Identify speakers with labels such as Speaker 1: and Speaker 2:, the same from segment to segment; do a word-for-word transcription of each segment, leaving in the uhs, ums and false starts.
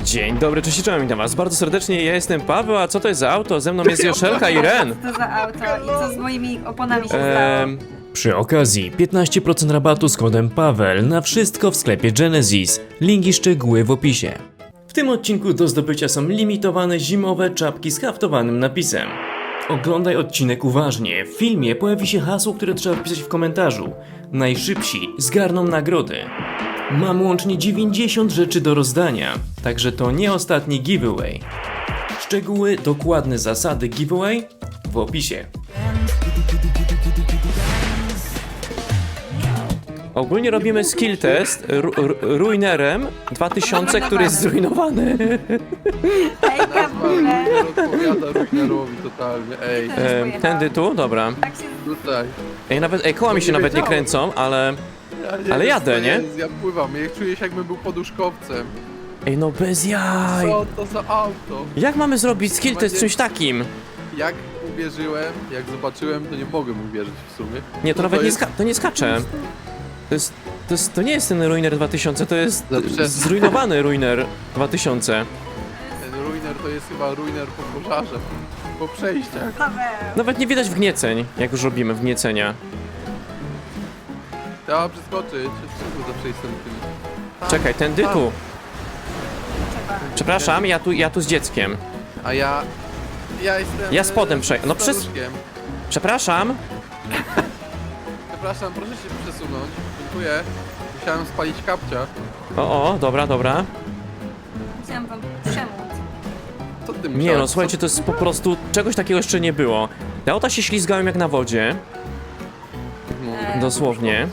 Speaker 1: Dzień dobry, cześć, cześć, witam was bardzo serdecznie, ja jestem Paweł, a co to jest za auto? Ze mną jest Joszelka i Ren.
Speaker 2: Co to za auto i co z moimi oponami się stało?
Speaker 1: Ehm, przy okazji piętnaście procent rabatu z kodem Paweł na wszystko w sklepie Genesis. Linki szczegóły w opisie. W tym odcinku do zdobycia są limitowane zimowe czapki z haftowanym napisem. Oglądaj odcinek uważnie. W filmie pojawi się hasło, które trzeba wpisać w komentarzu. Najszybsi zgarną nagrody. Mam łącznie dziewięćdziesiąt rzeczy do rozdania, także to nie ostatni giveaway. Szczegóły, dokładne zasady giveaway w opisie. Ogólnie robimy skill test ru ru Ruinerem dwa tysiące, który jest zrujnowany.
Speaker 2: Hejka w ogóle.
Speaker 3: Odpowiada Ruinerowi totalnie, ej.
Speaker 1: E, tędy tu? Dobra.
Speaker 2: Tak się...
Speaker 3: Tutaj.
Speaker 1: Ej, nawet, ej, koła mi się
Speaker 3: Nie
Speaker 1: nawet nie
Speaker 3: wiedziałem.
Speaker 1: kręcą, ale...
Speaker 3: Ja nie
Speaker 1: Ale
Speaker 3: wiem,
Speaker 1: jadę,
Speaker 3: co
Speaker 1: nie?
Speaker 3: jest, Ja pływam, ja czuję się jakbym był poduszkowcem.
Speaker 1: Ej, no bez jaj.
Speaker 3: Co to za auto?
Speaker 1: Jak mamy zrobić skill test z czymś takim?
Speaker 3: Jak uwierzyłem, jak zobaczyłem, to nie mogłem uwierzyć w sumie.
Speaker 1: Nie, to
Speaker 3: No
Speaker 1: nawet nie,
Speaker 3: jest-
Speaker 1: ska to nie skacze. To jest, to jest... To nie jest ten Ruiner dwa tysiące, to jest
Speaker 3: Dobrze.
Speaker 1: zrujnowany Ruiner dwa tysiące.
Speaker 3: Ten Ruiner to jest chyba Ruiner po pożarze. Po przejściach.
Speaker 2: Paweł.
Speaker 1: Nawet nie widać wgnieceń, jak już robimy wgniecenia.
Speaker 3: Trzeba przeskoczyć. Czemu zawsze jestem tym? Tam,
Speaker 1: Czekaj, tędy
Speaker 3: tam.
Speaker 1: tu.
Speaker 2: Trzeba.
Speaker 1: Przepraszam, ja tu, ja tu z dzieckiem.
Speaker 3: A ja... Ja jestem...
Speaker 1: Ja spodem
Speaker 3: e,
Speaker 1: przej- no przez-
Speaker 3: staruszkiem.
Speaker 1: Przepraszam.
Speaker 3: Przepraszam, proszę się przesunąć. Dziękuję. Musiałem spalić kapcia.
Speaker 1: O, o, dobra, dobra.
Speaker 2: Chciałam wam przemóc.
Speaker 3: Co ty
Speaker 1: Nie
Speaker 3: musiałeś?
Speaker 1: no, słuchajcie, to jest po prostu... Czegoś takiego jeszcze nie było. Te auta się ślizgają jak na wodzie.
Speaker 3: No,
Speaker 1: Dosłownie.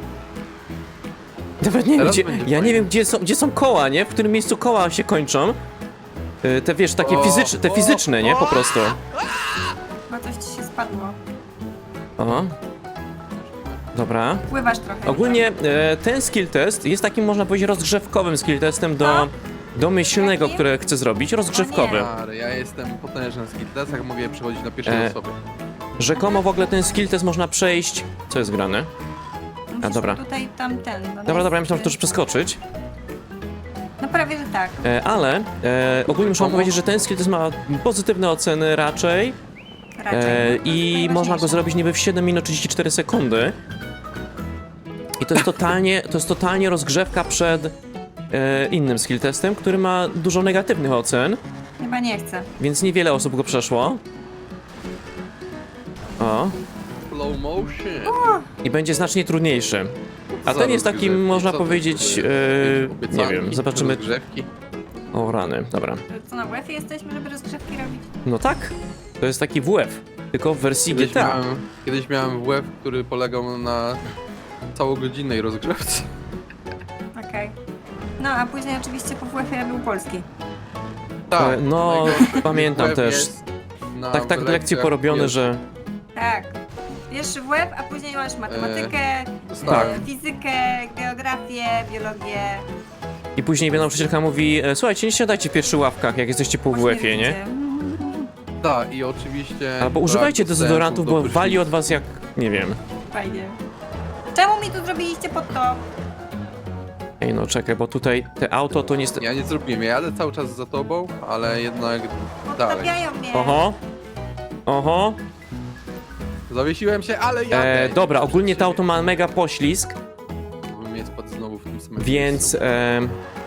Speaker 1: Nawet nie wiem,
Speaker 3: Teraz
Speaker 1: gdzie,
Speaker 3: będzie
Speaker 1: ja nie
Speaker 3: fajnie.
Speaker 1: wiem gdzie są, gdzie są koła, nie? W którym miejscu koła się kończą. Y, Te wiesz, takie
Speaker 3: O,
Speaker 1: fizyczne, te
Speaker 3: o,
Speaker 1: fizyczne, nie? Po
Speaker 3: o.
Speaker 1: prostu.
Speaker 2: Chyba coś ci się spadło.
Speaker 1: O. Dobra.
Speaker 2: Pływasz trochę.
Speaker 1: Ogólnie e, ten skill test jest takim, można powiedzieć, rozgrzewkowym skill testem do domyślnego,
Speaker 2: Jakim?
Speaker 1: które chcę zrobić. Rozgrzewkowy.
Speaker 3: Stary, ja jestem potężny w skilltesach, mogę je przechodzić na pierwszej
Speaker 1: E,
Speaker 3: osobie.
Speaker 1: Rzekomo w ogóle ten skill test można przejść... Co jest grane?
Speaker 2: Musisz
Speaker 1: a, dobra.
Speaker 2: tutaj tamten. No
Speaker 1: Dobra, dobra, ja myślałem, że to już przeskoczyć.
Speaker 2: No prawie, że tak.
Speaker 1: E, ale e, ogólnie muszę wam
Speaker 3: Komu?
Speaker 1: powiedzieć, że ten skill test ma pozytywne oceny raczej.
Speaker 2: Raczej.
Speaker 1: E,
Speaker 2: No, to
Speaker 1: I
Speaker 2: jest
Speaker 1: można go
Speaker 2: najważniejsze.
Speaker 1: zrobić niby w siedem minut trzydzieści cztery sekundy. I to jest totalnie, to jest totalnie rozgrzewka przed e, innym skill testem, który ma dużo negatywnych ocen,
Speaker 2: Chyba nie chcę.
Speaker 1: więc niewiele osób go przeszło. O.
Speaker 3: Slow motion.
Speaker 1: I będzie znacznie trudniejszy. A
Speaker 3: Co
Speaker 1: ten jest
Speaker 3: rozgrzewki?
Speaker 1: takim, można
Speaker 3: Co to
Speaker 1: powiedzieć,
Speaker 3: jest?
Speaker 1: e,
Speaker 3: Jakieś
Speaker 1: nie
Speaker 3: obiecanki,
Speaker 1: wiem, zobaczymy.
Speaker 3: rozgrzewki?
Speaker 1: O rany, dobra.
Speaker 2: Co, na łefie jesteśmy, żeby rozgrzewki robić?
Speaker 1: No tak, to jest taki W F, tylko w wersji G
Speaker 3: Kiedyś
Speaker 1: T A.
Speaker 3: miałem, kiedyś miałem W F, który polegał na całogodzinnej rozgrzewce.
Speaker 2: Okej. No, a później oczywiście po WF-ie był polski.
Speaker 1: E, no,
Speaker 3: najgorszy
Speaker 1: pamiętam
Speaker 3: W F
Speaker 1: też.
Speaker 3: jest na
Speaker 1: Tak, tak lekcje
Speaker 3: lekcjach
Speaker 1: porobione,
Speaker 3: pierwszych.
Speaker 1: że...
Speaker 2: Tak. Pierwszy W F, a później masz matematykę,
Speaker 3: Tak.
Speaker 2: e, fizykę, geografię, biologię.
Speaker 1: I później nauczycielka mówi, e, słuchajcie, nie siadajcie w pierwszych ławkach, jak jesteście po W F-ie, nie?
Speaker 3: Tak, i oczywiście...
Speaker 1: Albo
Speaker 3: brak
Speaker 1: używajcie
Speaker 3: dostępu
Speaker 1: dezodorantów,
Speaker 3: do
Speaker 1: bo
Speaker 3: prysznicu.
Speaker 1: wali od was jak... nie wiem.
Speaker 2: Fajnie. Czemu mi tu zrobiliście pod to?
Speaker 1: Ej, no czekaj, bo tutaj te auto to niestety...
Speaker 3: Ja nie zrobiłem, ja jadę cały czas za tobą, ale jednak dalej.
Speaker 2: Podstawiają mnie.
Speaker 1: Oho. Oho.
Speaker 3: Zawiesiłem się, ale jadę.
Speaker 1: E, dobra, ogólnie to auto ma mega poślizg,
Speaker 3: Bo mnie spadł znowu w tym samym
Speaker 1: więc...
Speaker 3: miejscu.
Speaker 1: E,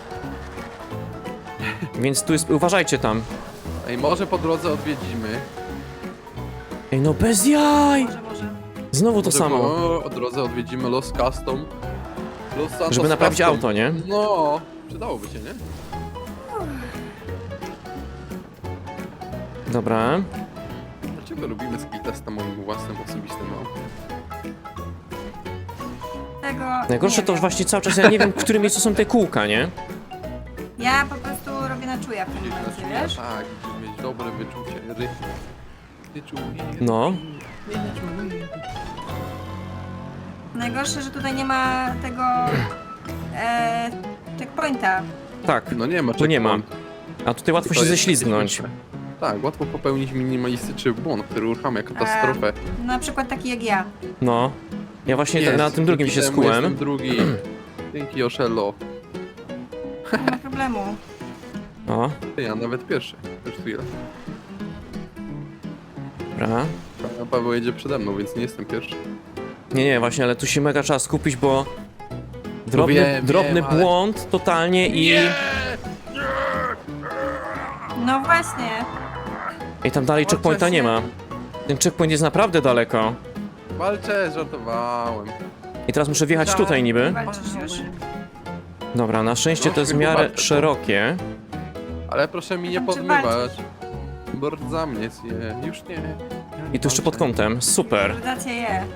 Speaker 1: więc tu jest... uważajcie tam.
Speaker 3: Ej, może po drodze odwiedzimy.
Speaker 1: Ej, no bez jaj!
Speaker 2: Może, może.
Speaker 1: Znowu to
Speaker 3: Może
Speaker 1: samo.
Speaker 3: Po po drodze odwiedzimy Los Custom. Los Santos
Speaker 1: Żeby naprawić
Speaker 3: Custom.
Speaker 1: auto, nie?
Speaker 3: No, przydałoby się, nie?
Speaker 1: Dobra.
Speaker 3: Dlaczego robimy skill test na moim własnym osobistym aucie?
Speaker 2: Tego
Speaker 1: Najgorsze
Speaker 2: nie
Speaker 1: to
Speaker 2: wiem.
Speaker 1: właśnie cały czas, ja nie wiem, w którym miejscu są te kółka, nie?
Speaker 2: Ja po prostu robię na czuja w tym
Speaker 3: Gdzieś na
Speaker 2: momencie,
Speaker 3: czuja,
Speaker 2: wiesz?
Speaker 3: tak, żeby mieć dobre wyczucie. Ry... Wyczucie.
Speaker 1: No.
Speaker 2: Najgorsze, że tutaj nie ma tego e, checkpointa.
Speaker 1: Tak,
Speaker 3: No nie ma
Speaker 1: tu nie ma.
Speaker 3: checkpointu.
Speaker 1: A tutaj łatwo
Speaker 3: To
Speaker 1: się
Speaker 3: jest
Speaker 1: ześlizgnąć.
Speaker 3: śmieszne. Tak, łatwo popełnić minimalistyczny błąd, który uruchamia katastrofę.
Speaker 2: Na przykład taki jak ja.
Speaker 1: No. Ja właśnie
Speaker 3: Jest,
Speaker 1: na tym drugim się
Speaker 3: dzięki temu Jestem
Speaker 1: skułem.
Speaker 3: drugi. Dzięki Oshello.
Speaker 2: Nie ma problemu.
Speaker 1: O,
Speaker 3: Ty, ja nawet pierwszy. Już chwilę.
Speaker 1: dobra.
Speaker 3: A Paweł jedzie przede mną, więc nie jestem pierwszy.
Speaker 1: Nie, nie, właśnie, ale tu się mega trzeba skupić, bo drobny,
Speaker 3: wiem,
Speaker 1: drobny
Speaker 3: wiem, ale-
Speaker 1: błąd totalnie i...
Speaker 2: No właśnie.
Speaker 1: I tam dalej checkpointa nie ma. Ten checkpoint jest naprawdę daleko.
Speaker 3: Walczę, żartowałem.
Speaker 1: I teraz muszę wjechać
Speaker 3: Tak.
Speaker 1: tutaj niby.
Speaker 2: Walczysz już?
Speaker 1: Dobra, na szczęście to jest w
Speaker 3: Proszę,
Speaker 1: miarę
Speaker 3: walczę.
Speaker 1: szerokie.
Speaker 3: Ale proszę mi nie
Speaker 2: Tam czy
Speaker 3: podmywać.
Speaker 2: walczysz?
Speaker 3: Bo za mnie zje. Już nie.
Speaker 1: I tu jeszcze pod kątem. Super.
Speaker 2: Dacie je.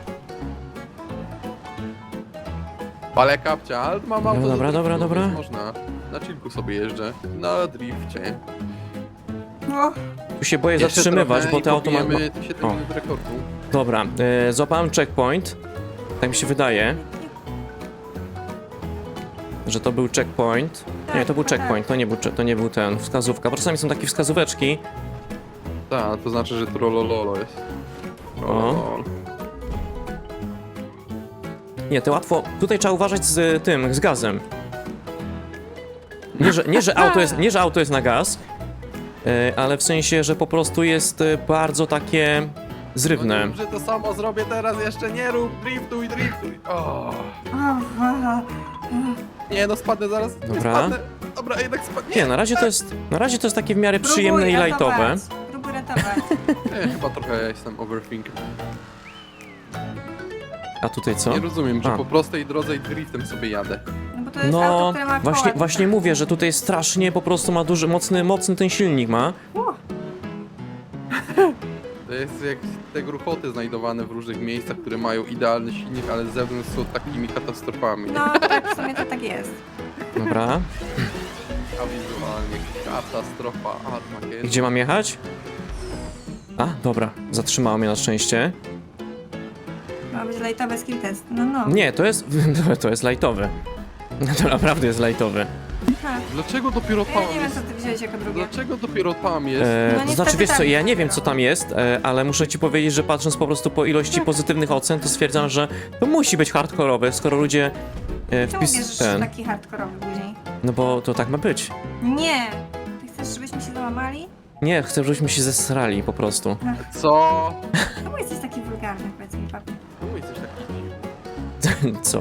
Speaker 3: Ale kapcia, ale mam auto.
Speaker 1: Dobra,
Speaker 3: do
Speaker 1: dobra, dobra,
Speaker 3: driftu,
Speaker 1: dobra.
Speaker 3: więc Można. Na chillku sobie jeżdżę. Na drifcie.
Speaker 2: O,
Speaker 1: Tu się boję
Speaker 3: Jeszcze
Speaker 1: zatrzymywać,
Speaker 3: trochę
Speaker 1: bo
Speaker 3: i
Speaker 1: te auto ma...
Speaker 3: pobijemy siedem
Speaker 1: O.
Speaker 3: minut rekordu.
Speaker 1: Dobra, e, złapałem checkpoint. Tak mi się wydaje, że to był checkpoint. Nie, to był
Speaker 2: Tak, tak.
Speaker 1: checkpoint, to nie był, cze- to nie był ten, wskazówka. Bo czasami są takie wskazóweczki.
Speaker 3: Tak, to znaczy, że trollololo jest. Trollolol.
Speaker 1: Nie, to łatwo. Tutaj trzeba uważać z tym, z gazem. Nie, że, nie, że, auto, jest, nie, że auto jest na gaz, e, ale w sensie, że po prostu jest e, bardzo takie zrywne.
Speaker 3: No nie, że to samo zrobię teraz, jeszcze nie rób, driftuj, driftuj. O.
Speaker 2: o, o.
Speaker 3: Nie no, spadnę zaraz. Nie
Speaker 1: Dobra.
Speaker 3: spadnę. Dobra, jednak spadnę.
Speaker 1: Nie, na razie to jest, na razie to jest takie w miarę
Speaker 2: Próbuj
Speaker 1: przyjemne i
Speaker 2: ratować.
Speaker 1: lightowe.
Speaker 2: Próbuj ratować.
Speaker 3: Nie, chyba trochę ja jestem overthinker.
Speaker 1: A tutaj co?
Speaker 3: Nie rozumiem, że
Speaker 1: A.
Speaker 3: po prostej drodze i driftem sobie jadę.
Speaker 2: No bo to jest auto,
Speaker 1: No,
Speaker 2: które ma
Speaker 1: właśnie,
Speaker 2: koła.
Speaker 1: właśnie mówię, że tutaj strasznie po prostu ma duży, mocny, mocny ten silnik ma.
Speaker 3: To jest jak te gruchoty znajdowane w różnych miejscach, które mają idealny silnik, ale z zewnątrz są takimi katastrofami.
Speaker 2: No tak, w sumie to tak jest.
Speaker 1: Dobra.
Speaker 3: A wizualnie katastrofa Armageddon.
Speaker 1: Gdzie mam jechać? A, dobra, zatrzymało mnie na szczęście.
Speaker 2: Ma być lightowy skill test. No, no.
Speaker 1: Nie, to jest, to jest lightowy. To naprawdę jest lightowy.
Speaker 2: Ha.
Speaker 3: Dlaczego dopiero
Speaker 2: Ja
Speaker 3: tam
Speaker 2: nie wiem,
Speaker 3: jest?
Speaker 2: co ty wziąłeś jako drugie.
Speaker 3: Dlaczego dopiero tam jest?
Speaker 1: E,
Speaker 2: No
Speaker 1: to
Speaker 2: niestety
Speaker 1: znaczy, wiesz co,
Speaker 2: tak,
Speaker 1: ja nie wiem
Speaker 2: dopiero.
Speaker 1: co tam jest, e, ale muszę ci powiedzieć, że patrząc po prostu po ilości pozytywnych ocen, to stwierdzam, że to musi być hardkorowe, skoro ludzie e,
Speaker 2: Czemu bierzesz
Speaker 1: wpis ten.
Speaker 2: taki hardkorowy później?
Speaker 1: No bo to tak ma być.
Speaker 2: Nie! Ty chcesz, żebyśmy się załamali?
Speaker 1: Nie, chcę, żebyśmy się zesrali po prostu.
Speaker 3: Co?
Speaker 2: Czemu jesteś taki wulgarny, powiedz mi, papi?
Speaker 3: Czemu jesteś taki dziwny?
Speaker 1: Co?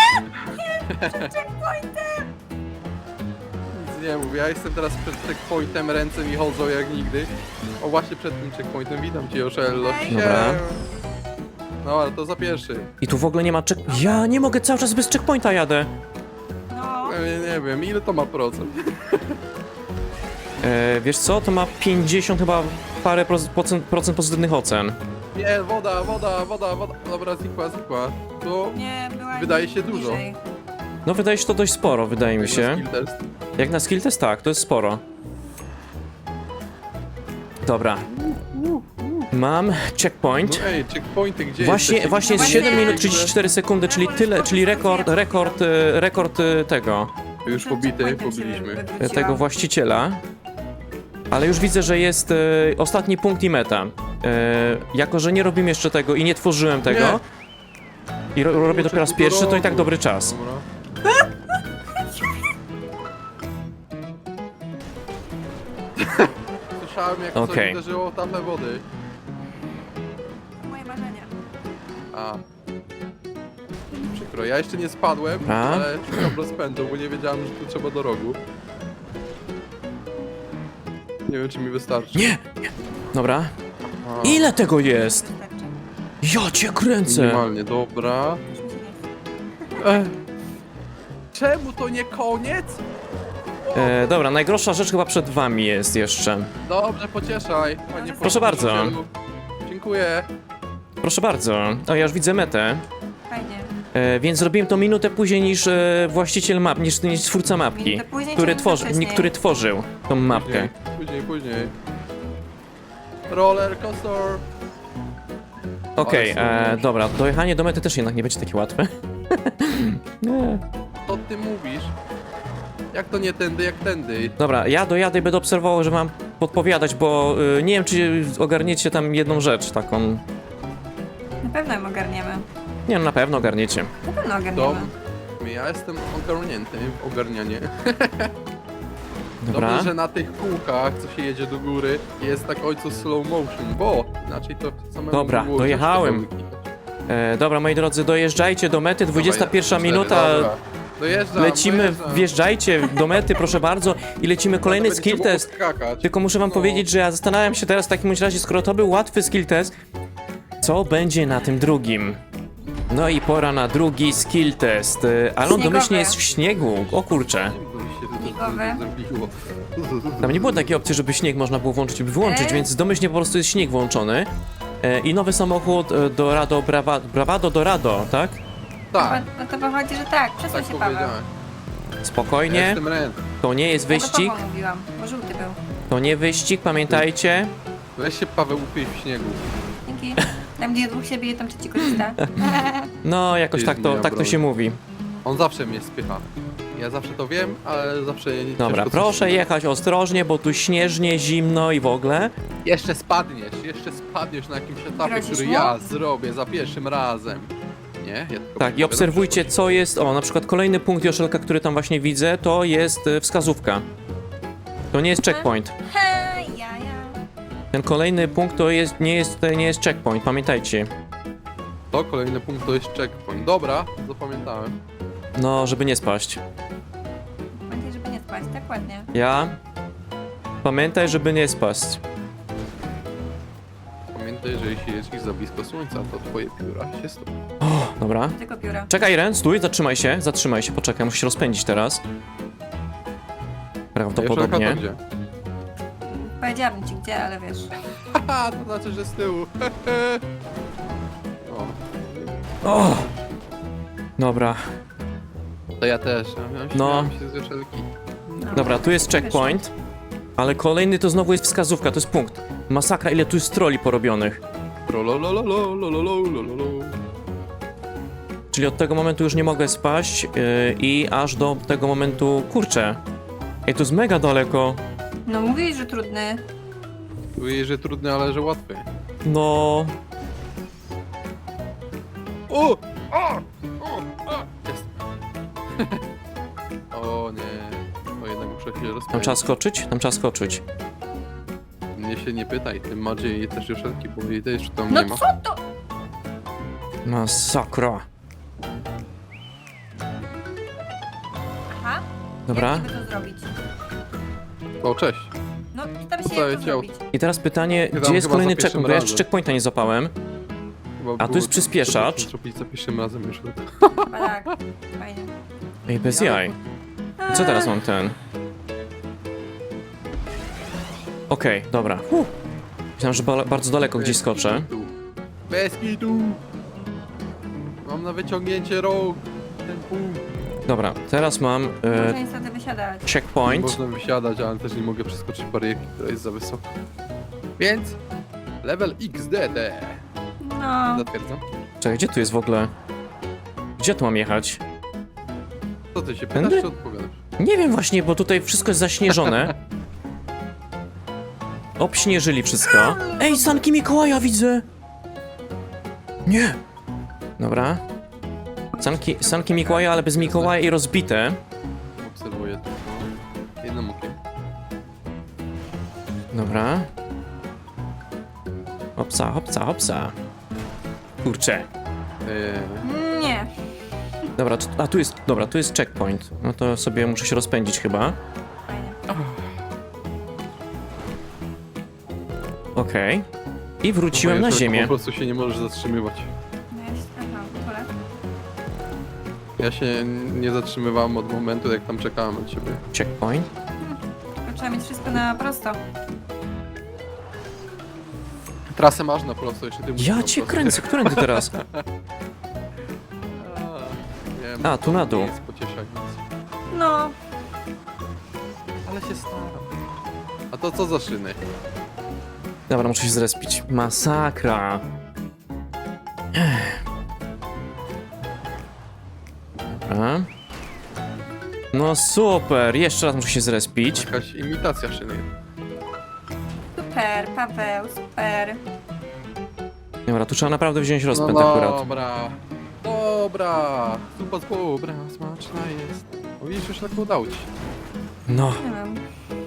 Speaker 3: Nic nie mów, ja jestem teraz przed checkpointem, ręce mi chodzą jak nigdy. O właśnie przed tym checkpointem, witam cię Joszello.
Speaker 2: Okej.
Speaker 1: Dobra.
Speaker 3: No ale to za pierwszy.
Speaker 1: I tu w ogóle nie ma check... Ja nie mogę, cały czas bez checkpointa jadę.
Speaker 2: No,
Speaker 3: Nie, nie wiem, ile to ma procent?
Speaker 1: E, wiesz co, to ma pięćdziesiąt chyba parę proc- procent, procent pozytywnych ocen.
Speaker 3: Nie, woda, woda, woda, woda. Dobra, znikła, znikła. To
Speaker 2: nie, była
Speaker 3: Wydaje się dużo.
Speaker 2: niżej.
Speaker 1: No wydaje się to dość sporo, wydaje mi się.
Speaker 3: skill test.
Speaker 1: Jak na skill test tak, to jest sporo. Dobra. Mam checkpoint.
Speaker 3: No ej, checkpointy gdzie
Speaker 1: Właśnie,
Speaker 3: jesteście?
Speaker 1: właśnie jest
Speaker 2: No
Speaker 1: siedem
Speaker 2: właśnie.
Speaker 1: minut trzydzieści cztery sekundy, czyli tyle, czyli rekord, rekord, e, rekord e, tego,
Speaker 3: Już
Speaker 2: To
Speaker 3: pobity,
Speaker 2: checkpointem się
Speaker 3: pobiliśmy.
Speaker 1: e,
Speaker 2: wywróciłam.
Speaker 1: tego właściciela. Ale już widzę, że jest e, ostatni punkt i meta. E, jako, że nie robimy jeszcze tego i nie tworzyłem tego i ro, robię dopiero raz pierwszy, to i tak dobry czas.
Speaker 3: Dobra. Słyszałem jak
Speaker 1: Okej.
Speaker 3: coś uderzyło o tapę wody.
Speaker 2: To moje marzenia.
Speaker 3: A. Przykro, ja jeszcze nie spadłem,
Speaker 1: A?
Speaker 3: ale szukam rozpędu, bo nie wiedziałem, że tu trzeba do rogu. Nie wiem, czy mi wystarczy.
Speaker 1: Nie! Dobra.
Speaker 3: A,
Speaker 1: Ile tego jest?
Speaker 2: Wystarczy.
Speaker 1: Ja cię kręcę!
Speaker 3: Minimalnie, dobra.
Speaker 2: Już mi się nie chce.
Speaker 3: Ech. Czemu to nie koniec?
Speaker 1: E, dobra, najgorsza rzecz chyba przed wami jest jeszcze.
Speaker 3: Dobrze, pocieszaj. Panie
Speaker 1: Proszę bardzo.
Speaker 3: nauczycielu. Dziękuję.
Speaker 1: Proszę bardzo. O, ja już widzę metę.
Speaker 2: Fajnie.
Speaker 1: E, więc zrobiłem to minutę później niż e, właściciel map, niż, niż twórca mapki,
Speaker 2: Minutę później,
Speaker 1: który,
Speaker 2: czy
Speaker 1: tworzy,
Speaker 2: minutę
Speaker 1: nie, który tworzył tą mapkę.
Speaker 3: Później, później, później. Roller coaster.
Speaker 1: Okej,
Speaker 3: Ale
Speaker 1: e,
Speaker 3: super.
Speaker 1: dobra, dojechanie do mety też jednak nie będzie takie łatwe. Nie.
Speaker 3: Co ty mówisz? Jak to nie tędy, jak tędy?
Speaker 1: Dobra, ja dojadę i będę obserwował, że mam podpowiadać, bo y, nie wiem, czy ogarniecie tam jedną rzecz taką.
Speaker 2: Na pewno ją ogarniemy.
Speaker 1: Nie no, na pewno ogarniecie.
Speaker 2: Na pewno ogarniemy.
Speaker 3: Dom. Ja jestem ogarnięty w ogarnianie.
Speaker 1: Dobra.
Speaker 3: Dobrze, że na tych kółkach, co się jedzie do góry, jest tak ojcu slow motion, bo inaczej to samemu
Speaker 1: Dobra,
Speaker 3: było
Speaker 1: dojechałem.
Speaker 3: ciężko klikać.
Speaker 1: E, dobra, moi drodzy, dojeżdżajcie do mety, dwudziesta pierwsza
Speaker 3: Dawaj,
Speaker 1: minuta.
Speaker 3: dobra. Dojeżdżam,
Speaker 1: Lecimy,
Speaker 3: dojeżdżam.
Speaker 1: wjeżdżajcie do mety, proszę bardzo. I lecimy kolejny
Speaker 3: Będzie
Speaker 1: skill
Speaker 3: trzeba
Speaker 1: test.
Speaker 3: skakać.
Speaker 1: Tylko muszę wam
Speaker 3: No.
Speaker 1: powiedzieć, że ja zastanawiam się teraz w takim bądź razie, skoro to był łatwy skill test, co będzie na tym drugim? No i pora na drugi skill test. E, Ale on
Speaker 2: Śniegowy.
Speaker 1: domyślnie jest w śniegu. O kurczę.
Speaker 3: Bo mi się to
Speaker 2: Śniegowe.
Speaker 3: zrobiło.
Speaker 1: Tam nie było takiej opcji, żeby śnieg można było włączyć lub wyłączyć,
Speaker 2: E?
Speaker 1: więc domyślnie po prostu jest śnieg włączony. E, I nowy samochód e, Dorado Brava, Bravado Dorado, tak?
Speaker 3: Tak,
Speaker 2: No to wychodzi, że tak, przesuń
Speaker 3: tak
Speaker 2: się Paweł.
Speaker 3: powiedziałem. Ja
Speaker 1: Spokojnie,
Speaker 3: jestem Ren.
Speaker 1: to nie jest
Speaker 2: Ja do
Speaker 1: wyścig,
Speaker 2: Pawła mówiłam, bo żółty był.
Speaker 1: to nie wyścig, pamiętajcie.
Speaker 3: Weź się Paweł upiej w śniegu.
Speaker 2: Dzięki. Tam gdzie dwóch się bije, tam trzeci korzysta.
Speaker 1: No, jakoś
Speaker 3: Jest
Speaker 1: tak to,
Speaker 3: moja
Speaker 1: tak to
Speaker 3: broń.
Speaker 1: się mówi.
Speaker 3: On zawsze mnie spycha. Ja zawsze to wiem, ale zawsze nie
Speaker 1: Dobra,
Speaker 3: ciężko coś-
Speaker 1: proszę jechać ostrożnie, bo tu śnieżnie, zimno i w ogóle.
Speaker 3: Jeszcze spadniesz, jeszcze spadniesz na jakimś etapie,
Speaker 2: Grozisz
Speaker 3: który
Speaker 2: mu?
Speaker 3: ja zrobię za pierwszym razem. Nie? Ja tylko
Speaker 1: Tak, i
Speaker 3: mówię,
Speaker 1: obserwujcie,
Speaker 3: dobrze.
Speaker 1: co jest. O, na przykład kolejny punkt Joszelka, który tam właśnie widzę, to jest e, wskazówka. To nie jest checkpoint.
Speaker 2: Hej, ja, ja.
Speaker 1: Ten kolejny punkt to jest, nie jest, to nie jest checkpoint, pamiętajcie.
Speaker 3: To kolejny punkt to jest checkpoint. Dobra, zapamiętałem.
Speaker 1: No, żeby nie spaść.
Speaker 2: Pamiętaj, żeby nie spać, tak ładnie.
Speaker 1: Ja? Pamiętaj, żeby nie spaść.
Speaker 3: Pamiętaj, że jeśli jeździsz za blisko słońca, to twoje pióra się stopią.
Speaker 1: O, dobra.
Speaker 2: Tylko pióra.
Speaker 1: Czekaj, Ren, stój, zatrzymaj się, zatrzymaj się, poczekaj, musisz się rozpędzić teraz. Prawdopodobnie.
Speaker 3: To gdzie?
Speaker 2: Powiedziałabym ci gdzie, ale wiesz.
Speaker 3: Haha, to znaczy, że z tyłu. o,
Speaker 1: O! Dobra,
Speaker 3: to ja też. Ja
Speaker 1: No.
Speaker 3: no. się z Joszelki.
Speaker 2: No.
Speaker 1: dobra, tu jest checkpoint, ale kolejny to znowu jest wskazówka, to jest punkt. Masakra, ile tu jest troli porobionych.
Speaker 3: Trolololololololololololo.
Speaker 1: Czyli od tego momentu już nie mogę spaść yy, i aż do tego momentu, kurczę. Ej, to jest mega daleko.
Speaker 2: No mówisz, że trudny.
Speaker 3: Mówię, że trudny, ale że łatwy.
Speaker 1: No,
Speaker 3: O! O! O! O! Jest. o nie. O, jednak muszę się
Speaker 1: tam
Speaker 3: rozpędzić.
Speaker 1: trzeba skoczyć? Tam trzeba skoczyć.
Speaker 3: Mnie się nie pytaj, tym bardziej jej też Joszelki, bo jej też tam
Speaker 2: No
Speaker 3: nie ma.
Speaker 2: co to?
Speaker 1: Masakra.
Speaker 2: Aha.
Speaker 1: Dobra.
Speaker 2: Jak niby to zrobić?
Speaker 3: O, cześć.
Speaker 2: No tam się
Speaker 3: Zostaje
Speaker 2: jak to
Speaker 3: ciało.
Speaker 2: zrobić.
Speaker 1: I teraz pytanie,
Speaker 3: Chyba-
Speaker 1: gdzie jest
Speaker 3: chyba
Speaker 1: kolejny
Speaker 3: za pierwszym
Speaker 1: checkpoint? Bo ja jeszcze
Speaker 3: razem.
Speaker 1: checkpointa nie zapałem.
Speaker 3: Chyba
Speaker 1: A tu
Speaker 3: było
Speaker 1: jest przyspieszacz.
Speaker 3: to zrobić za pierwszym razem już.
Speaker 2: Chyba tak. Fajnie.
Speaker 1: Ej, bez jaj. Co teraz mam ten? Okej, dobra. Huh. Myślałem, że ba bardzo daleko gdzieś skoczę.
Speaker 3: Bez kitu. Mam na wyciągnięcie rąk. Ten punkt.
Speaker 1: Dobra, teraz mam
Speaker 2: Muszę
Speaker 1: e,
Speaker 2: niestety wysiadać.
Speaker 1: checkpoint.
Speaker 3: Można wysiadać, ale też nie mogę przeskoczyć barierki, która jest za wysoka. Więc level X D D.
Speaker 2: No.
Speaker 3: Zatwierdzam.
Speaker 1: Czekaj, gdzie tu jest w ogóle? Gdzie tu mam jechać?
Speaker 3: Co ty się pytasz,
Speaker 1: Tędy?
Speaker 3: czy odpowiadasz?
Speaker 1: Nie wiem właśnie, bo tutaj wszystko jest zaśnieżone. Obśnieżyli wszystko. Ej, sanki Mikołaja widzę! Nie! Dobra. Sanki, sanki Mikołaja, ale bez Mikołaja i rozbite.
Speaker 3: Obserwuję to. No. Jednym okiem.
Speaker 1: Dobra. Hopsa, hopsa, hopsa. Kurczę.
Speaker 3: Eee,
Speaker 2: Nie.
Speaker 1: Dobra, tu, a tu jest, dobra, tu jest checkpoint. No to sobie muszę się rozpędzić chyba.
Speaker 2: Fajnie.
Speaker 1: Okej. I wróciłem na
Speaker 3: Joszelko,
Speaker 1: ziemię.
Speaker 3: Po prostu się nie możesz zatrzymywać.
Speaker 2: No ja się... Aha, pole.
Speaker 3: Ja się nie zatrzymywałem od momentu, jak tam czekałem na ciebie.
Speaker 1: Checkpoint.
Speaker 2: Tylko trzeba mieć wszystko na prosto.
Speaker 3: Trasę masz na prosto, jeszcze ty musisz
Speaker 1: Ja
Speaker 3: na
Speaker 1: cię
Speaker 3: prosto.
Speaker 1: kręcę, którędy teraz?
Speaker 3: A, wiem,
Speaker 1: A, tu na dół.
Speaker 3: nie jest pocieszające.
Speaker 2: No.
Speaker 3: Ale się staram. A to co za szyny?
Speaker 1: Dobra, muszę się zrespić. Masakra. Ech. Dobra. No super, jeszcze raz muszę się zrespić.
Speaker 3: Jakaś imitacja szyny.
Speaker 2: Super, Paweł, super.
Speaker 1: Dobra, tu trzeba naprawdę wziąć
Speaker 3: No
Speaker 1: rozpęd akurat.
Speaker 3: dobra. Dobra. Zupa z dobra, smaczna jest. O, widzisz, już tak udało ci się.
Speaker 1: No,
Speaker 2: Nie wiem.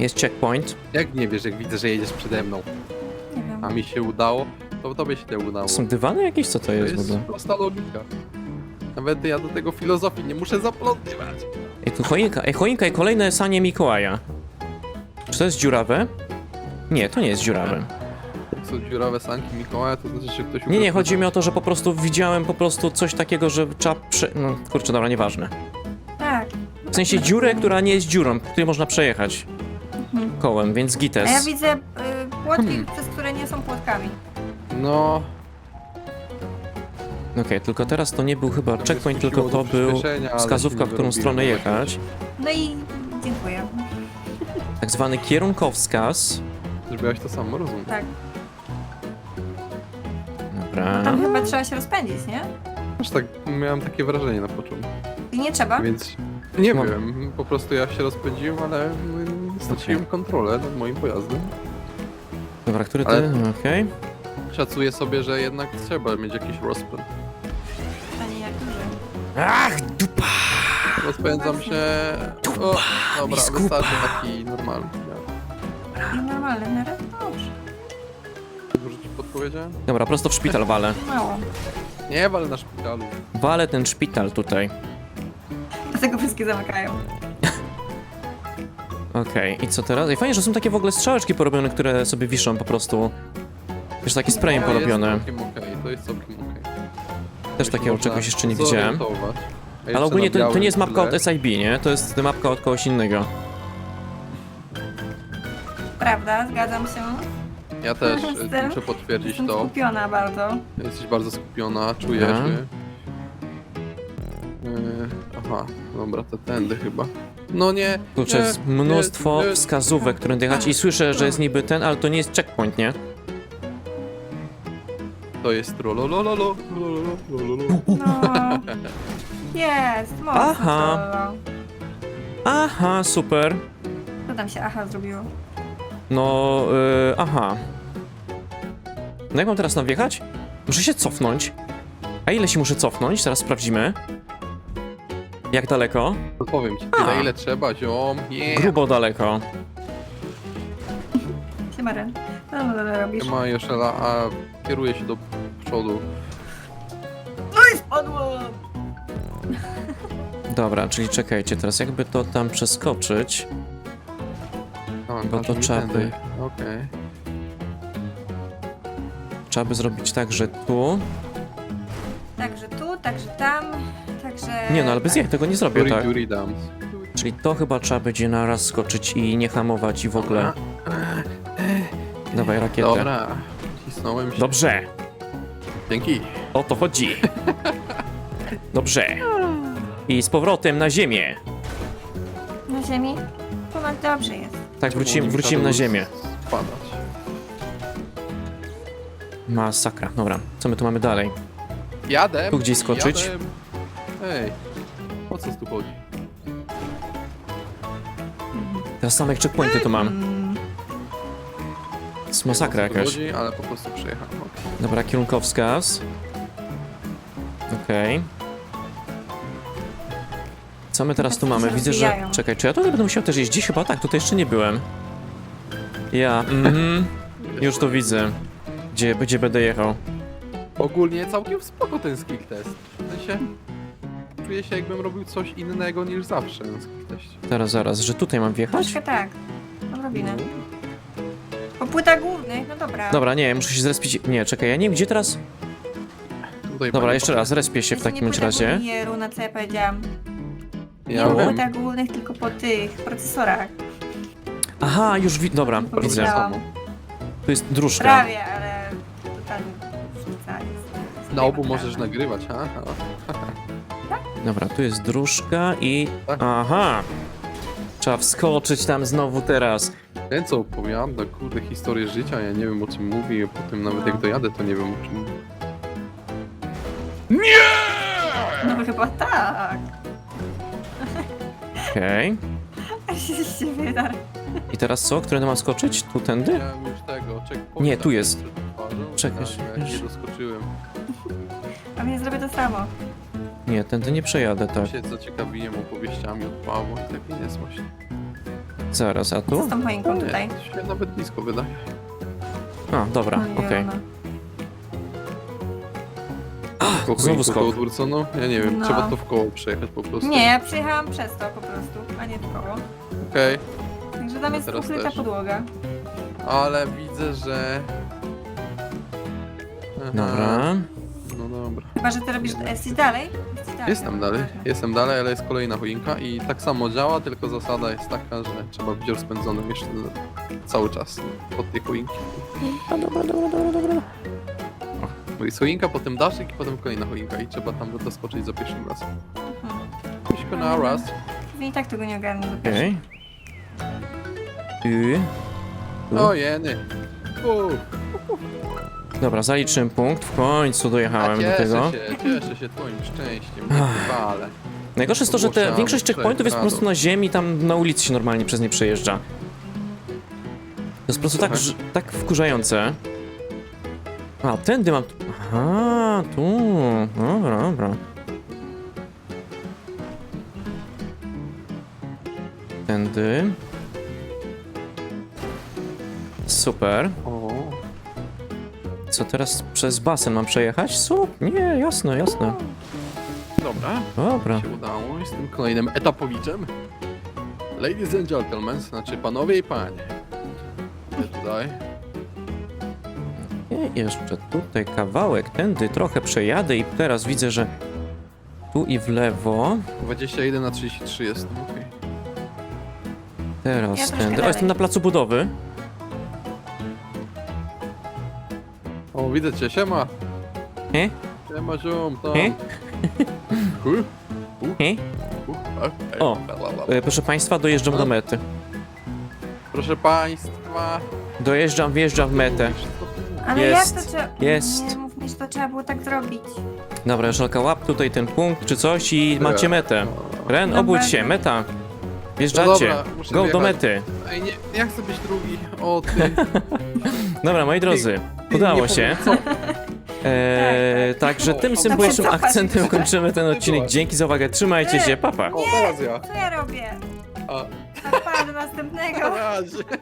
Speaker 4: Jest checkpoint.
Speaker 3: Jak nie wiesz, jak widzę, że jedziesz przede mną,
Speaker 2: Nie wiem.
Speaker 3: a mi się udało, to tobie się nie udało.
Speaker 4: Są dywany jakieś? Co to
Speaker 3: To
Speaker 4: jest w
Speaker 3: jest
Speaker 4: ogóle?
Speaker 3: prosta logika. Nawet ja do tego filozofii nie muszę zaplątywać.
Speaker 4: Ej, tu choinka. Ej, choinka i kolejne sanie Mikołaja. Czy to jest dziurawe? Nie, to nie jest dziurawe.
Speaker 3: Jak są dziurawe sanki Mikołaja, to znaczy, że ktoś...
Speaker 4: Nie, nie, chodzi mi o to, że po prostu widziałem po prostu coś takiego, że trzeba prze... No, kurczę, dobra, nieważne.
Speaker 2: Tak.
Speaker 4: W sensie dziurę, która nie jest dziurą, po której można przejechać
Speaker 2: Mhm.
Speaker 4: kołem, więc gites.
Speaker 2: A ja widzę y, płotki,
Speaker 3: Hmm.
Speaker 2: przez które nie są płotkami.
Speaker 3: No...
Speaker 4: Okej, tylko teraz to nie był chyba
Speaker 3: to
Speaker 4: checkpoint,
Speaker 3: mnie
Speaker 4: tylko
Speaker 3: skusiło
Speaker 4: to
Speaker 3: do
Speaker 4: był
Speaker 3: przyspieszenia, ale
Speaker 4: wskazówka,
Speaker 3: się
Speaker 4: w
Speaker 3: nie
Speaker 4: którą
Speaker 3: wyrobiłem.
Speaker 4: stronę jechać.
Speaker 2: No i dziękuję.
Speaker 4: Tak zwany kierunkowskaz.
Speaker 3: Zrobiłaś to samo, rozumiem.
Speaker 2: Tak.
Speaker 4: Dobra.
Speaker 2: Tam chyba trzeba się rozpędzić, nie?
Speaker 3: Aż tak, miałem takie wrażenie na początku,
Speaker 2: I nie trzeba?
Speaker 3: więc... Nie
Speaker 4: Mam-
Speaker 3: wiem, po prostu ja się rozpędziłem, ale mm, straciłem kontrolę nad moim pojazdem.
Speaker 4: Dobra, który ty?
Speaker 3: Ale-
Speaker 4: Okej.
Speaker 3: Szacuję sobie, że jednak trzeba mieć jakiś rozpęd.
Speaker 2: Pytanie jak duży.
Speaker 4: Ach, dupa!
Speaker 3: Rozpędzam się... O, dobra,
Speaker 4: mi skupa.
Speaker 3: wystarczy taki normalny.
Speaker 2: I normalny w miarę? Dobrze.
Speaker 3: Dużo ci podpowiedziałem?
Speaker 4: Dobra, prosto w szpital walę.
Speaker 2: Mało.
Speaker 3: Nie, wal na szpitalu.
Speaker 4: Walę ten szpital tutaj.
Speaker 2: Dlatego wszystkie zamykają.
Speaker 4: Okej, i co teraz? I fajnie, że są takie w ogóle strzałeczki porobione, które sobie wiszą po prostu. Wiesz, takie sprayem
Speaker 3: To
Speaker 4: porobione.
Speaker 3: jest całkiem okej, to jest całkiem okej.
Speaker 4: Też
Speaker 3: To się
Speaker 4: takiego
Speaker 3: można
Speaker 4: czegoś jeszcze nie widziałem.
Speaker 3: zorientować. A
Speaker 4: Ale
Speaker 3: jeszcze
Speaker 4: ogólnie
Speaker 3: na
Speaker 4: to, to
Speaker 3: białym
Speaker 4: nie jest mapka od
Speaker 3: tle-
Speaker 4: S I B, nie? To jest mapka od kogoś innego.
Speaker 2: Prawda, zgadzam się.
Speaker 3: Ja też e,
Speaker 2: Jestem-
Speaker 3: muszę potwierdzić
Speaker 2: Jestem
Speaker 3: to.
Speaker 2: skupiona bardzo.
Speaker 3: Jesteś bardzo skupiona, czuję
Speaker 4: Dobra.
Speaker 3: się. Yy, aha, dobra, to tędy chyba. No nie,
Speaker 4: Kurczę,
Speaker 3: nie,
Speaker 4: jest mnóstwo
Speaker 3: nie, nie.
Speaker 4: wskazówek, które jechać i słyszę, że jest niby ten, ale to nie jest checkpoint, nie?
Speaker 3: To jest trololololo, lololo.
Speaker 2: No. Jest, mocno.
Speaker 4: Aha.
Speaker 2: to.
Speaker 4: Aha, super.
Speaker 2: Co tam się aha zrobiło?
Speaker 4: No, yy, aha. No jak mam teraz tam wjechać? Muszę się cofnąć. A ile się muszę cofnąć? Zaraz sprawdzimy. Jak daleko?
Speaker 3: To powiem ci,
Speaker 4: A.
Speaker 3: tyle ile trzeba, ziom. Nie.
Speaker 4: Grubo daleko.
Speaker 2: Siemaren. Co tam robisz?
Speaker 3: Nie ma jeszcze, la- a kieruje się do przodu.
Speaker 2: No i spadło!
Speaker 4: Dobra, czyli czekajcie, teraz jakby to tam przeskoczyć.
Speaker 3: A,
Speaker 4: Bo
Speaker 3: aż
Speaker 4: to
Speaker 3: mi
Speaker 4: trzeba
Speaker 3: tędy.
Speaker 4: by-
Speaker 3: Okej.
Speaker 4: Trzeba by zrobić tak, że tu.
Speaker 2: Także tu, także tam, także...
Speaker 4: Nie no, ale bez
Speaker 2: tak.
Speaker 4: jak tego nie zrobię,
Speaker 3: Duri
Speaker 4: tak?
Speaker 3: Duri Dams.
Speaker 4: Czyli to chyba trzeba będzie naraz skoczyć i nie hamować i w ogóle. Dawaj rakietę.
Speaker 3: Dobra, cisnąłem się.
Speaker 4: Dobrze,
Speaker 3: Dzięki.
Speaker 4: o to chodzi. Dobrze. I z powrotem na ziemię.
Speaker 2: Na ziemi? Ponad dobrze jest.
Speaker 4: Tak, wrócimy,
Speaker 3: Czemu
Speaker 4: wrócimy
Speaker 3: nie
Speaker 4: na
Speaker 3: musiał
Speaker 4: ziemię.
Speaker 3: Spadać.
Speaker 4: Masakra. Dobra, co my tu mamy dalej?
Speaker 3: Jadę.
Speaker 4: Tu gdzieś skoczyć?
Speaker 3: Jadę. Ej, o co tu chodzi?
Speaker 4: Teraz same checkpointy tu mam.
Speaker 2: Mm,
Speaker 4: To jest masakra
Speaker 3: Nie wiem, o co
Speaker 4: jakaś.
Speaker 3: tu chodzi, ale po prostu przejechałem. okej.
Speaker 4: Dobra, kierunkowskaz. Okej. Co my teraz tu
Speaker 2: Tacy
Speaker 4: mamy?
Speaker 2: się
Speaker 4: Widzę, że...
Speaker 2: rozwijają.
Speaker 4: Czekaj, czy ja tutaj będę musiał też jeździć? Chyba tak, tutaj jeszcze nie byłem. Ja, mhm. Już to widzę. Gdzie, gdzie będę jechał.
Speaker 3: Ogólnie całkiem spoko ten skill test. W sensie, czuję się jakbym robił coś innego niż zawsze na skill teście.
Speaker 4: Zaraz, zaraz, że tutaj mam wjechać?
Speaker 2: troszkę tak. Odrobinę. Po płytach głównych, no dobra.
Speaker 4: Dobra, nie, muszę się zrespić. Nie, czekaj, ja nie wiem, gdzie teraz...
Speaker 3: Tutaj
Speaker 4: Dobra,
Speaker 3: panie
Speaker 4: jeszcze raz, respię się w
Speaker 2: Jeszcze nie
Speaker 4: takim
Speaker 2: płytach
Speaker 4: razie.
Speaker 2: głównych, nie runa, co ja powiedziałam. Nie
Speaker 3: Ja
Speaker 2: po
Speaker 3: wiem.
Speaker 2: płytach głównych, tylko po tych procesorach.
Speaker 4: Aha, już wi... Dobra,
Speaker 2: Powiedziałam.
Speaker 4: widzę.
Speaker 2: Widziałam.
Speaker 4: Tu jest dróżka.
Speaker 2: Prawie, ale totalnie różnica jest.
Speaker 3: Na obu
Speaker 2: Naprawdę.
Speaker 3: możesz nagrywać, ha? ha.
Speaker 4: Dobra, tu jest dróżka i...
Speaker 3: Tak.
Speaker 4: Aha! Trzeba wskoczyć tam znowu teraz.
Speaker 3: Ten co opowiada, kurde, historię życia, ja nie wiem o czym mówi, a potem nawet
Speaker 2: No.
Speaker 3: jak dojadę, to nie wiem o czym mówi.
Speaker 2: No chyba tak.
Speaker 4: Okej.
Speaker 2: Aż się z siebie dar.
Speaker 4: I teraz co? Które mam skoczyć? Tu tędy?
Speaker 3: Miałem już tego, checkpointa
Speaker 4: Nie, tu jest.
Speaker 3: przed twarzą,
Speaker 4: Czekaj,
Speaker 3: tak, ja
Speaker 4: już.
Speaker 3: nie doskoczyłem.
Speaker 2: A mnie zrobię to samo.
Speaker 4: Nie, tędy nie przejadę, tak.
Speaker 3: Się zaciekawiłem opowieściami od Pawła i takie jest właśnie.
Speaker 4: Zaraz, a
Speaker 2: Co
Speaker 4: tu?
Speaker 2: z tą choinką tutaj?
Speaker 3: Nie, to się nawet blisko wydaje.
Speaker 4: A, dobra,
Speaker 2: Ojej,
Speaker 4: okej.
Speaker 2: ona.
Speaker 3: Koło
Speaker 4: znowu
Speaker 3: koło
Speaker 4: skok.
Speaker 3: odwrócono? Ja nie wiem,
Speaker 2: No.
Speaker 3: trzeba to w koło przejechać po prostu.
Speaker 2: Nie, ja przyjechałam przez to po prostu, a nie w koło.
Speaker 3: Okej,
Speaker 2: Także tam jest
Speaker 3: Teraz
Speaker 2: ukryta
Speaker 3: też.
Speaker 2: podłoga.
Speaker 3: ale widzę, że... Aha,
Speaker 4: Dobra.
Speaker 3: No dobra.
Speaker 2: Chyba, że ty robisz... Jesteś dalej? Jesteś dalej.
Speaker 3: Jestem
Speaker 2: dobra,
Speaker 3: dalej,
Speaker 2: ważne.
Speaker 3: jestem dalej, ale jest kolejna choinka i tak samo działa, tylko zasada jest taka, że trzeba być rozpędzonym jeszcze cały czas pod tej choinki.
Speaker 4: A, dobra, dobra, dobra, dobra.
Speaker 3: Bo jest choinka, potem daszek i potem kolejna choinka i trzeba tam doskoczyć za pierwszym razem.
Speaker 2: Mhm.
Speaker 3: Tylko na raz.
Speaker 2: Pewnie i tak tego nie ogarnę do pierwszej.
Speaker 4: Okej. I...
Speaker 3: O jeny. Uff.
Speaker 4: Dobra, zaliczyłem punkt, w końcu
Speaker 3: A
Speaker 4: dojechałem do
Speaker 3: cieszę
Speaker 4: tego.
Speaker 3: się, cieszę się twoim szczęściem, nie chwalę.
Speaker 4: Najgorsze jest to, że te,
Speaker 3: Ogłaszamy
Speaker 4: większość checkpointów jest po prostu na ziemi, tam na ulicy się normalnie przez nie przejeżdża. To jest po prostu tak, że- tak wkurzające. A, tędy mam... Aha, tu. Dobra, dobra. Tędy. Super.
Speaker 3: O,
Speaker 4: Co teraz przez basen mam przejechać? Sup? Nie, jasne, jasne.
Speaker 3: dobra,
Speaker 4: Dobra.
Speaker 3: się udało. Jestem kolejnym etapowiczem. Ladies and gentlemen, znaczy panowie i panie. Ja tutaj.
Speaker 4: I jeszcze tutaj kawałek, tędy trochę przejadę i teraz widzę, że tu i w lewo.
Speaker 3: dwadzieścia jeden na trzydzieści trzy jestem, okej.
Speaker 2: Ja
Speaker 4: Teraz
Speaker 2: troszkę
Speaker 4: tędy. O,
Speaker 2: dalej.
Speaker 4: jestem na placu budowy.
Speaker 3: O, widzę cię, siema.
Speaker 4: He?
Speaker 3: Siema, ziom, tam.
Speaker 4: He?
Speaker 3: Hu?
Speaker 4: He?
Speaker 3: Hu? A,
Speaker 4: O.
Speaker 3: la, la, la.
Speaker 4: E, Proszę państwa, dojeżdżam do mety.
Speaker 3: Proszę państwa.
Speaker 4: Dojeżdżam, wjeżdżam w metę.
Speaker 2: Ale
Speaker 4: Jest,
Speaker 2: jak to trzeba...
Speaker 4: jest.
Speaker 2: Nie mów mi, że to trzeba było tak zrobić.
Speaker 4: Dobra, Joszelka, łap tutaj ten punkt czy coś i macie metę. Ren,
Speaker 2: Dobra.
Speaker 4: obudź się, meta.
Speaker 3: No
Speaker 4: Wjeżdżacie.
Speaker 3: dobra, muszę
Speaker 4: Go do
Speaker 3: wjechać.
Speaker 4: mety.
Speaker 3: Ej, nie, nie chcę być drugi. O, ty.
Speaker 4: Dobra, moi drodzy,
Speaker 3: ty
Speaker 4: udało
Speaker 3: nie
Speaker 4: się.
Speaker 3: powiem,
Speaker 4: Eee, także tym
Speaker 3: O,
Speaker 4: symbolicznym
Speaker 2: cofać
Speaker 4: akcentem
Speaker 2: jeszcze.
Speaker 4: kończymy ten odcinek. Dzięki za uwagę, trzymajcie się, papa.
Speaker 3: co? O, teraz ja.
Speaker 2: Co ja robię?
Speaker 3: A,
Speaker 2: A pa, do następnego.
Speaker 3: na razie.